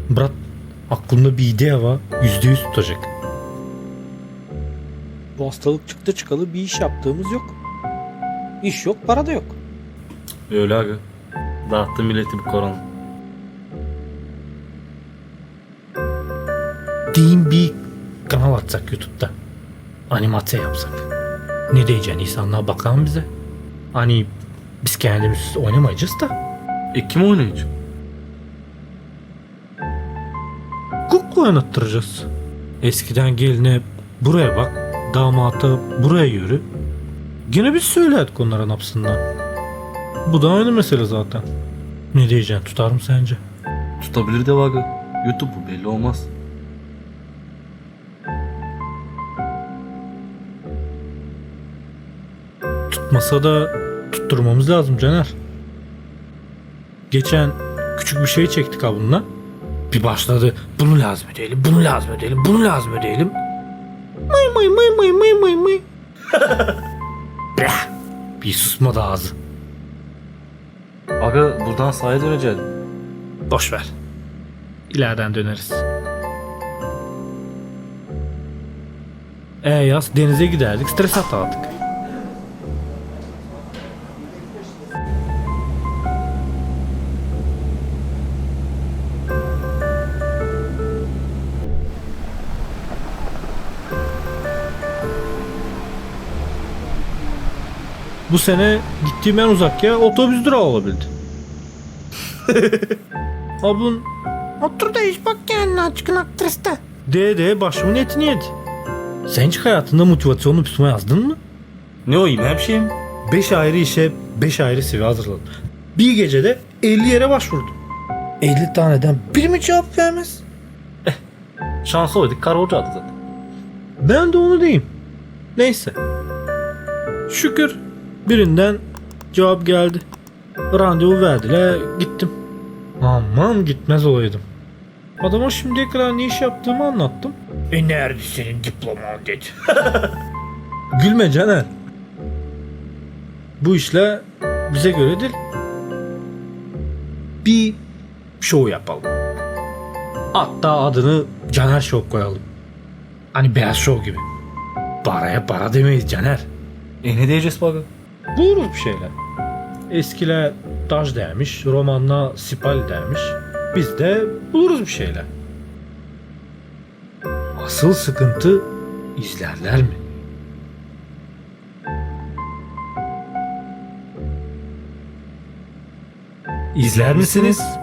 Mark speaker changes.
Speaker 1: Brat, aklımda bir idea var. %100 tutacak.
Speaker 2: Bu hastalık çıktı çıkalı bir iş yaptığımız yok. İş yok, para da yok.
Speaker 3: Öyle aga. Dağıttı milleti bir korona.
Speaker 1: Diyeyim bir kanal atsak YouTube'da. Animasyon yapsak. Ne diyeceksin, insanlar bakar mı bize? Hani biz kendimiz oynamayacağız da.
Speaker 3: Kim oynayacak?
Speaker 1: Kukla oynattıracağız. Eskiden geline buraya bak, damata buraya yürü. Gene biz söylerdik onların hapsından. Bu da aynı mesele zaten. Ne diyeceksin, tutar mı sence?
Speaker 3: Tutabilir de aga. YouTube bu, belli olmaz.
Speaker 1: Tutmasa da tutturmamız lazım Caner. Geçen küçük bir şey çektik ha bununla. Bir başladı, bunu lazım edelim, bunu lazım edelim, bunu lazım edelim. Mıy mıy mıy mıy mıy mıy mıy. Blah! Bir susmadı ağzı.
Speaker 3: Aga buradan sahaya döneceğiz.
Speaker 1: Boş ver. İleriden döneriz. Yaz denize giderdik, stres atardık. Bu sene gittiğim en uzak yer otobüs durağı olabildi. Abun otur da iş bak kendine açıkın aktriste. De başımın etini yedi. Sen hiç hayatında motivasyonlu pisma yazdın mı?
Speaker 3: Ne o, yine bir şey mi?
Speaker 1: 5 ayrı işe 5 ayrı CV hazırladım. Bir gecede 50 yere başvurdum. 50 taneden biri mi cevap vermez?
Speaker 3: Şansı oydik, kar olacaktı zaten.
Speaker 1: Ben de onu diyeyim. Neyse. Şükür birinden cevap geldi. Randevu verdiler, gittim. Aman gitmez olaydım. Adama şimdiye kadar ne iş yaptığımı anlattım. Nerede senin diploman dedi. Gülme Caner. Bu işle bize göre değil. Bir show yapalım. Hatta adını Caner Show koyalım. Hani Beyaz Show gibi. Paraya para demeyiz Caner.
Speaker 3: Ne diyeceğiz bu aga?
Speaker 1: Buluruz bir şeyler. Eskiler Daj dermiş, romanla Sipal dermiş. Biz de buluruz bir şeyler. Asıl sıkıntı izlerler mi? İzler misiniz?